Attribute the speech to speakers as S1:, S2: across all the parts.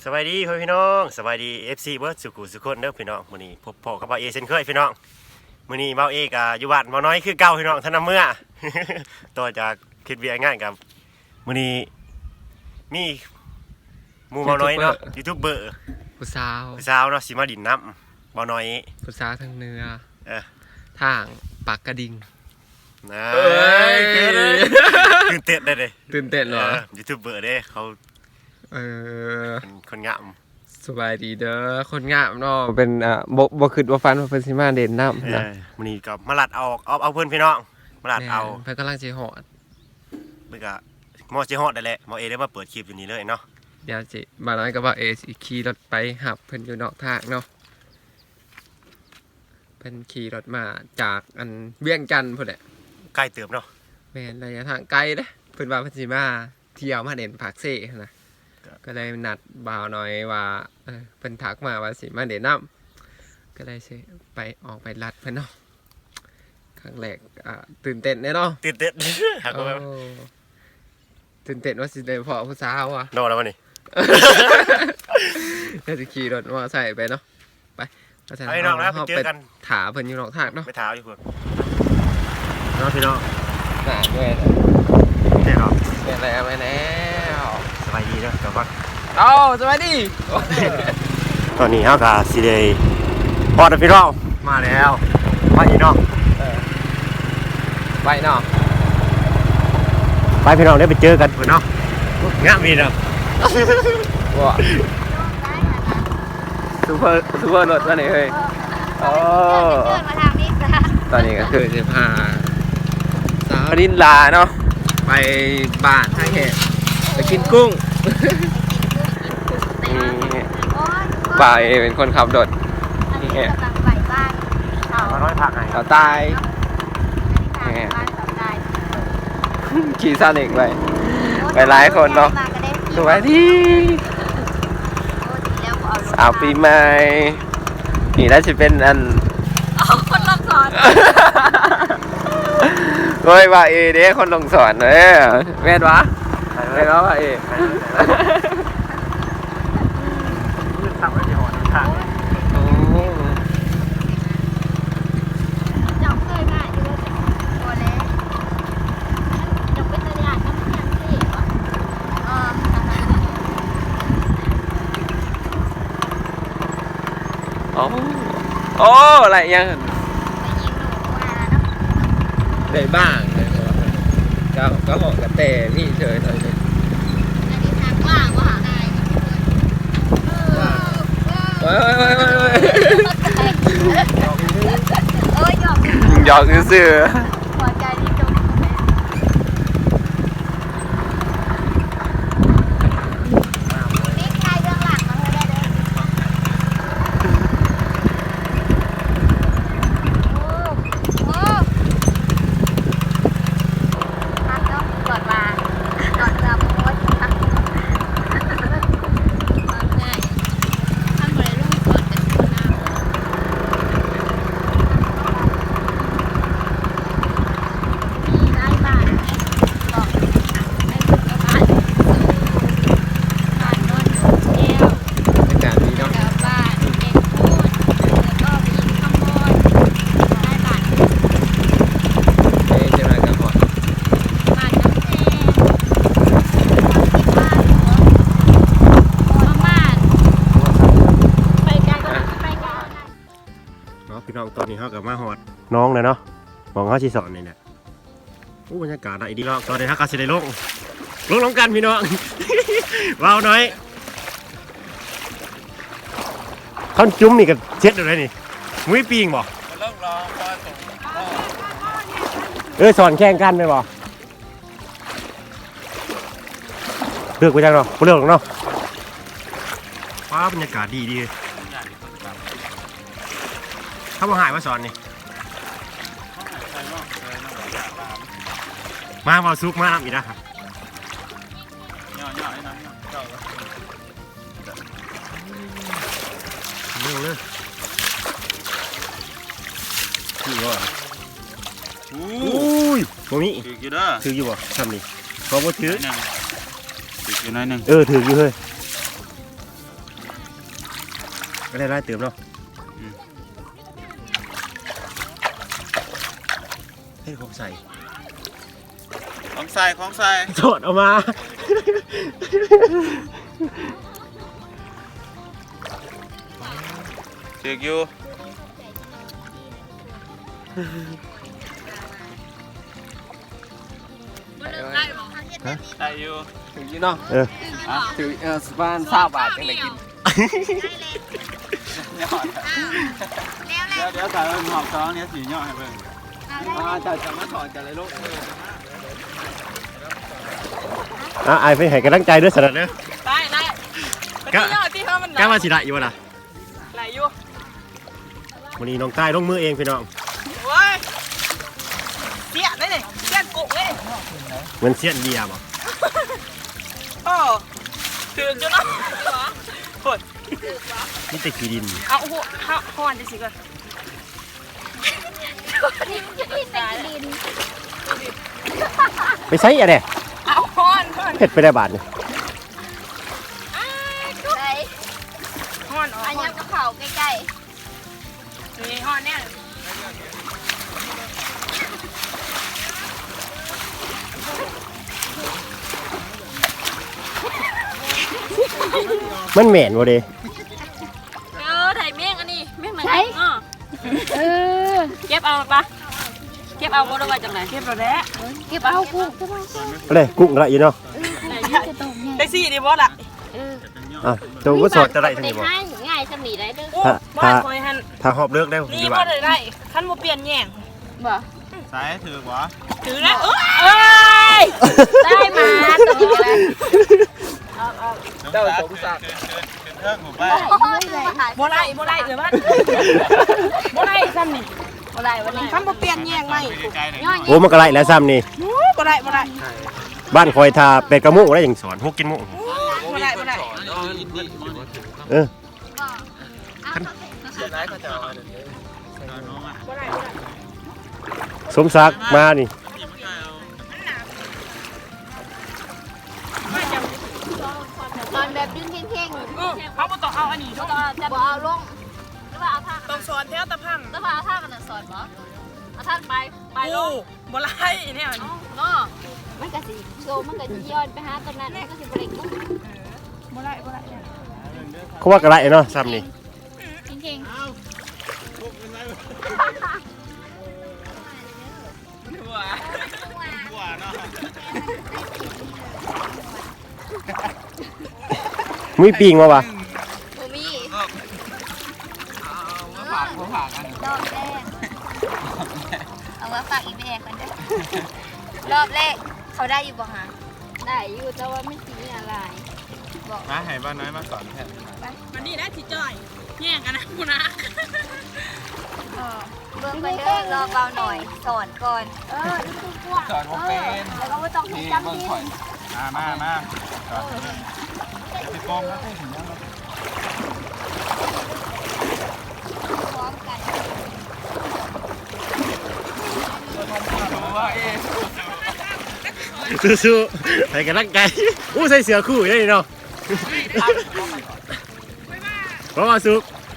S1: สวัสดีพี่น้องสวัสดี FC เบิร์ดสุขุสุขคนเด้อพี่น้องมื้อนี้พบพ่อกับบ่าวเอเช่นเคยพี่น้องมื้อนี้บ่าวเอกับอยู่บ้านบ่าวน้อยคือเก่าพี่น้องท่านนำเมื่อ ต่อจากคิดเวียง่ายกับมื้อนี้มีหมู่บ่าวน้อยเนาะยูทูบเบอร์
S2: ผู้ส
S1: าวเนาะสิมาดินน้ำบ่าวน้อย
S2: ผู้สาวทางเหนือทางปากกระดิ่ง
S1: นะตื่นเต้นได้เลย
S2: ตื่นเต้นเหรอ
S1: ยูทูบเบอร์เด้เขาคนงาม
S2: สบายดีเด้อคนงามเนาะเป็นบ่คิดว่าฟันว่าเพิ่นสิมาเด่นน้ำนะ
S1: มื้อนี้ก็มาลัดเอาเพิ่นพี่น้องมาลัดเอา
S2: เพิ่นกำลังสิฮอด
S1: เพิ่นก็มอสิฮอดได้แหละมอเอได้มาเปิดคลิปอยู่นี่เลยเนาะ
S2: เดี๋ยวสิบ่าวน้อยก็ว่าเอสิขี่รถไปหับเพิ่นอยู่นอกทางเนาะเพิ่นขี่รถมาจากอันเวียงจันทน์พุ่นแหละ
S1: ใกล้เติบเนาะ
S2: แม่นระยะทางไกลเด้เพิ่นว่าเพิ่นสิมาเที่ยวมาเด่นภาคเซ่นะก็เลยนัดบ่าวน้อยว่าเพิ่นทักมาว่าสิมาเด่นน้ำก็เลยสิไปออกไปลัดเพิ่นเนาะครั้งแรกตื่นเต้นแน่เนาะ
S1: ตื่นเต้น
S2: ตื่นเต้นว่าสิได้พอผู้สาวอ่ะ
S1: นอนแล้ววันนี้
S2: ก็จะขี่รถมอไซค์ไปเนาะไป
S1: ไปน้องนะไปเจอกัน
S2: ถาเพิ่นอยู่นอกทางเนาะ
S1: ไปถาอยู่เพิ่นน้องพี่น้อง
S2: น่าด้วย
S1: แน่นอน
S2: เป็นอะไรไปแล้ว
S1: สบายดีเนาะเดี๋ยวก่อน
S2: สบายดี
S1: ตอนนี้เฮาก็สิได้พอดพี่น้องมาแล้วมาอีน้อง
S2: ไปเนาะ
S1: ไปพี่น้องได้ไปเจอกันเพิ่นเนาะงามดีเนาะ
S2: ว้าซูเปอร์รถมานี่เฮ้ยตอนนี้ก็คือจะพาสาวรินลาเนาะไปบ้านท่าแห่ไปกินกุ้งบ่าวเป็นคนขับรถนี่แหละเขาตายขี่ซาเล็กไปหลายคนเนาะสวัสดีสาวปีใหม่นี่น่าจะเป็นอัน
S3: คนลงสอน
S2: โอ้ยว่าเด้คนลงสอนเลยแม่นวะแม่นวะว่า
S1: ทำไว้ที่หอทาง
S3: จับเคยมาอยู่แล้วตัวเล็กจับเป็นตัวอย่างน้ำมันยังสิ
S2: โอ้อะไรยังได้บ้างก็เหาะกระเตนี่เฉยเลย
S3: อันนี้ทางว่างว่าหาได้
S2: หยอกซื่อ
S3: หัวใจที่จมนี่ใครเรื่องหลังมาเธอได้เลยโอ้พักเนาะก่อนมาก่อนจะโพสพักง่ายทำอะไรลูกก่อนจะชวนน้ำมีไร้บ้านบอกให้ฝึกกับบ้านบ้านนอนแก้ว
S2: อากาศดีเนาะ
S3: แล้วบ้านเด็กพูดแล้วก็ไปยิงข้างบนได้บ้าน
S2: จะมากับหอด
S3: บ้านน้ำแดงบ้านหัวบ้านไปกันก็ไปกัน
S1: เนาะพี่น้องตอนนี้เฮาก็มาฮอดน้องเลยเนาะมองเฮาสิสอนนี่แหละบรรยากาศดีเนาะตอนนี้เฮาก็สิได้ลงกันพี่น้อง ว้าวน้อยเขาจุ้มนี่ก็เช็ดอะไรนี่มุ้ยปีงบ่สอนแข่งกันไปบ่เลือกไปจังเนาะเลือกเนาะว้าบรรยากาศดีเขาบอกหายมาสอนนี่มาเอาซุกมาอีกนะครับเร็วเลยนี่ว่าอุ้ยตรงนี้ถืออยู่บ่ทำนี่เขาบ่ถือ
S4: ถืออยู่น้อยหนึ่ง
S1: ถืออยู่เฮ้ยก็ได้เติมเนาะให้ผมใส่
S4: ของใส่
S1: โจดออกมา
S4: ถืออยู่ ได้อยู่
S2: ถึงยี่เนาะ
S1: เออ
S2: ถึงสปาน20 บาทจังได้กิน
S4: ยอดเดี๋ยวถ่ายเป็นหอบซ้อนเนี่ยสียอดให้เบิ่ง
S2: จะมาถอนกันเลยลูก
S1: ไอ้ไปให้กำลังใจด้วยสนัดเด้อ
S5: ได้ไปที่ยอดที่เขามัน
S1: กล้ามาสิละอยู่ล่ะ
S5: ไหลอยู่
S1: วันนี้น้องใต้ลงมือเองพี่น้อง
S5: โว้ยเสี้ยได้เลยเสี้ยนกุกเลย
S1: เหมือนเสี้ยนเบียร์บ่
S5: โอ้ถึงจุดเนาะปวด
S1: นี่แต่ขี้ดิน
S5: เอาหัวข้าวหอนจะสิก่อน
S3: นี่เป็นดิน
S1: ไปใช้อะไร
S5: เอาหอนหอน
S1: เผ็ดไปได้บาทเนี่ย
S3: ใส่
S5: หอนอ๋อ
S3: อัน
S5: หอ
S3: นี้
S5: น
S3: กระเป๋าใกล้
S5: นี่หอนเนี่ย
S1: มันเหม็นบ่เด้
S5: ถ่ายเมี่ยงอันนี้เมี่ยงไหน
S3: ๆใช่เออ
S5: เก็บเอาปะเก็บเอาบ่ได้ว่าจังไหนเก็บเราแล้ว
S3: เก็บเอากุ้ง
S1: อะไรกุ้งละอยู่เนาะ
S3: จะตรงไง
S5: ได้สี่ดิบ่ล่ะ
S1: อ่ะตัวก็สดจะได้ทั้ง
S3: ได้
S1: นี้บ่
S3: ให้ง่ายสมีได้เด้อ
S5: โอ้บ่ได้คอยหัน
S1: ถ้าหอบเลิกได้ผม
S5: นี่
S1: ดี
S5: บ่
S1: ว่า
S5: ได้ได้คันบ่เปลี่ยนแย่ง
S3: บ่
S4: สายถือบ่
S5: ถือแล้วเอ้ย
S3: ได้มาตรงนี้เลย
S2: เจ้าสมศักดิ์
S4: เทิงหมู่บ้า
S5: บ่ได้บ่ได้เดี๋ยวมันบ่ได้ซ้ำนี่
S3: บ่ได้บ่ได้
S5: คันบ่เปลี่ยนแย่งใหม่
S4: ใกล้ๆเลย
S3: ย้อน
S1: โอ้มันก็ไรแล้วซ้ำนี่
S5: บ่ได้บ่ได้
S1: บ้านคอยทาเป็ดกระมุกได้อย่างสอนพวกกินมุก
S5: บ่ได้บ่ได้
S1: เออ
S2: เสียร้ายเขาจะเอาอันนี้
S5: บ่ได้บ่ได้
S1: สมศักดิ์มานี่
S3: ตอนแบบดึงเข่ง
S5: เขาบ่ต้องเอาอันนี้
S3: ๆก็จะบ่เอาลงหรือว่าเอาท่า
S5: ต้องสอนแถวตะพัง
S3: หรือว่าเอาท่ามันสอนบ่เอาท่าไปลง
S5: บ่ไล่เนี่ย
S3: เนาะมันก็สิโซมันก็สิย้อนไปหาตอนนั้นมันก็สิบ่ได้กุ้ง
S5: บ่ไล่บ่ไล่
S1: เขาว่ากระไรเนาะซ้ำนี่
S3: เข่ง
S4: หัวเนาะ
S1: มีปีงมาวะ
S3: ๆบ่มี
S4: ฝากเขาฝากกัน
S3: รอบแรกเอามาฝากอีแม่ก่อนเด้อรอบแรกเขาได้อยู่บ่ฮะได้อยู่แต่ว่าไม่สิมีอะไรบอก
S4: มาให้บ้านน้อยมาสอนแทน
S5: มันนี่ได้สิจ่อยแย่งกันนะกูนะ
S3: เบิ่งไปเด้อรอเบาหน่อยสอนก่อนนี่คือกว่า
S4: สอนผมเป็น
S3: แล้วก็ไม่ต้องให้จำดิน
S4: มาสอนพี่โป้งนะถึงแล้ว
S3: พร้อมกัน
S4: ว่าเอ๊
S1: สู้ๆไปกันร่างกายอู้ใส่เสือคู่ได้เนาะเพราะว่าสุก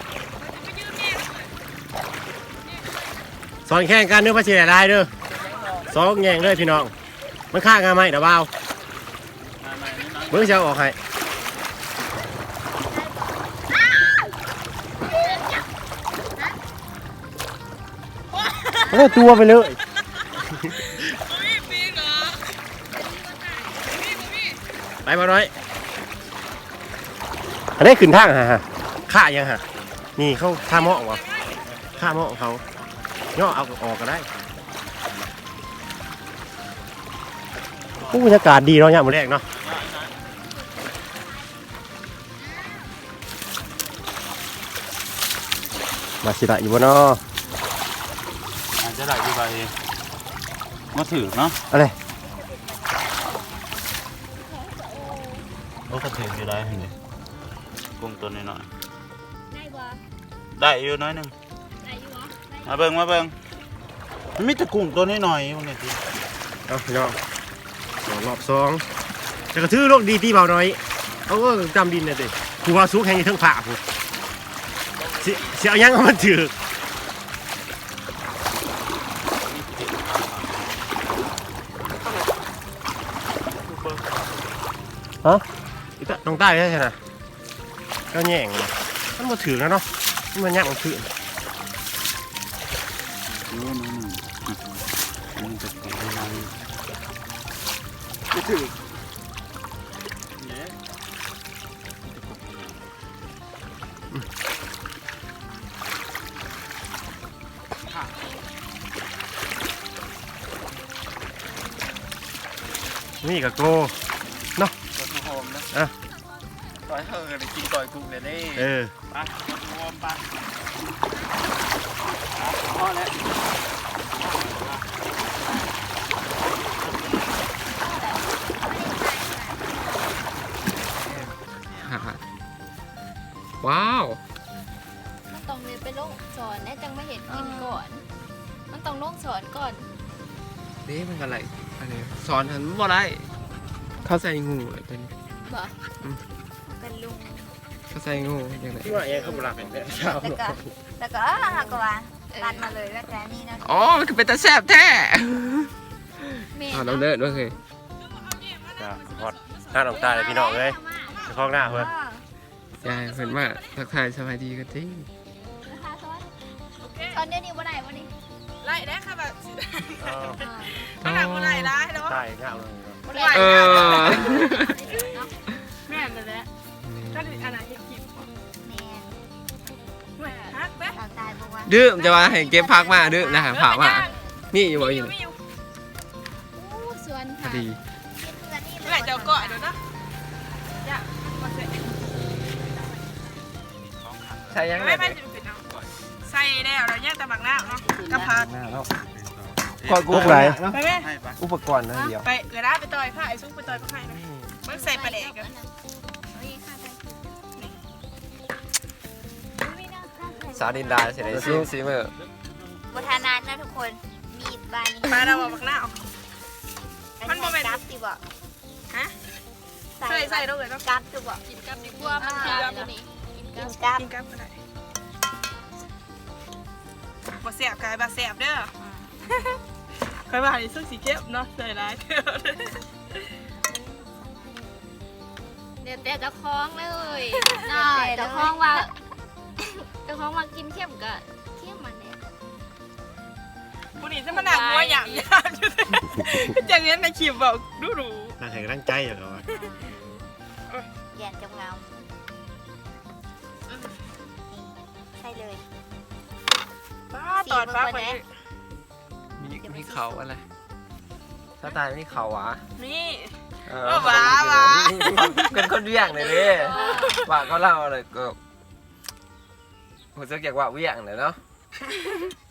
S1: สอนแข่งกันเนื้อพระเชียร์ได้เด้อสองแย่งเลยพี่น้องมันฆ่างาไหมเดี๋ยวเบาเบิ้งจะเอาออกให้โอ้ตัวไปเลยไปมาน้อยอันนี้ขึ้นทางฮะฆ่ายังฮะนี่เขาฆ่าหม้อวะฆ่าหม้อเขาย่อเอาออกก็ได้ผู้บรรยากาศดีเนาะเนี่ยมื้อแรกเนาะมาสิละอยู่บ่เนาะ
S4: อาจจะได้อยู่ไปมาถือเนาะ
S1: อะไร
S4: โอ้ก็ถืออยู่ได้เห็นไหมกุ้งตัวน้อย
S3: ได้บ่
S4: ๆได้อยู่น้อยหนึง
S3: ได้อยู่บ่
S4: มาเบิ่งมันมีแต่กุ้งตัวน้อยๆอยู่เนี่ย
S1: เอาพี่น้องสองรอบสองจะกระทือโลกดีตีเบาน้อยเอาก็จำดินเลยดิกูว่าซุกแห่งอยู่เทั้งผ่ากูเสียยังมันถือฮะอีตาน้องใต้ใช่ไหมก็แย่งเลยมันมาถือแล้วเนาะมันยากมันถือ
S4: มันจะเป็นอะไร
S1: ไม่ถือนี่กับโก
S2: ตัวทูโฮมนะ
S1: อ่ะ
S2: ต่อยเฮอเลยกินต่อยกุ้งเลยนี่
S1: เออ
S4: ไปรวมไป
S2: พอแล้ว ว้าว
S3: มันต้องเลยไปลงสอนแน่จังไม่เห็นกินก่อน มันต้องลงสอนก่อน
S2: นี่มันอะไรอันนี้สอนหันบ่ได้เข้าใส่งูเลยเป็น
S3: บ่เป็นลุง
S2: เข้าใส่งูอย่างไร
S1: ที่ว่าเองเขาบุรักแห่งแต่เช้า
S3: แล้วก็หักว่าตันมาเลยแล้วแต่นี่นะ
S2: อ๋อมันคือเป็นตาแซ่บแท้
S3: เมน
S2: อ๋อเราเลิศด้วยเคย
S1: จ้าฮอดหน้าน้องใต้เลยพี่น้องเลยไปคล้องหน้าเพื่อน
S2: ยายเพิ่นว่าทักทายสบายดีกันจริง
S3: ตอนเดี๋ยวนี้บ่ได้บ่นี่
S5: ไล่ได้ค่ะแบบ
S1: อ๋อ
S5: ไม่หนักบ่ไล่ได้แล้ว
S1: ใต้ง่ายเลย
S5: บ่ไล่
S2: เออ
S5: แม่นเลยแหละก็อันนั้นยังกิน
S3: แมน
S5: แม่ฮักแม่
S3: ตาตายบอกว่า
S2: ดื้อจะว่าให้เก็บพักมาดื้อนะฮะผักมานี่อยู่บ่อยู่
S5: ไม่อยู่
S3: อู้สวน
S2: พอ
S3: ค่ะ
S2: ดี
S5: แม่เจ้าเกาะเดี๋ยวนะอย่ามาใส่
S2: ใช่ยังไง
S5: ไม่จะเป็นเอาใส่แล้วเราแยกแต่หมักหน้าเนาะกระพัก
S2: กอดกุ๊กไร
S5: ไปแม่
S4: ให้ไป
S2: อุปกรณ์นั่นเดียว
S5: ไปเออได้ไปต่อยผ้าไอ้ซุกไปต่อยผ้านะมันใส่ปลาแดกกัน
S2: สาวดินดาเสร็จเลยซีเมอร์
S3: บุทานันนะทุกคนมีดบานนี้
S5: ปลาเราบอกหมักหน้า มันบ่แม่น
S3: กับสิบ่
S5: ฮะใส่ใส่เราเลยต้อง
S3: กับสิบ่
S5: กินกับดีกว่ามันกินกับนี่
S3: กินกับ
S5: กินกับก็ได้บ่แสบกายบ่แสบเด้อใครว่าไอ้ซุกสีเข้มเนาะใส่ร้ายเด้อ
S3: เดี๋ยวแต่เจะคล้าของเลยน่าเจะคล้าของว่าเจะคล้าของว่ากินเข้มก็เข้มมันเนี่ย
S5: ผู้นี้จะมาหนักหัวอย่างยากอยู่อย่างนี้ในคลิปบอกดูดู
S1: ทางแห่งร่างใจอย่างเงี้ย
S3: แยนจำเงาใช่เลย
S5: ป้าตอดป้าไป
S2: มีเขาอะไรถ้าตายมีเขาหวะ
S5: นี่
S2: ว้าเป็นคนเวียงเลยดิว่าเขาเล่าอะไรก็ผมจะเกี่ยวกับเวียงเลยเนาะ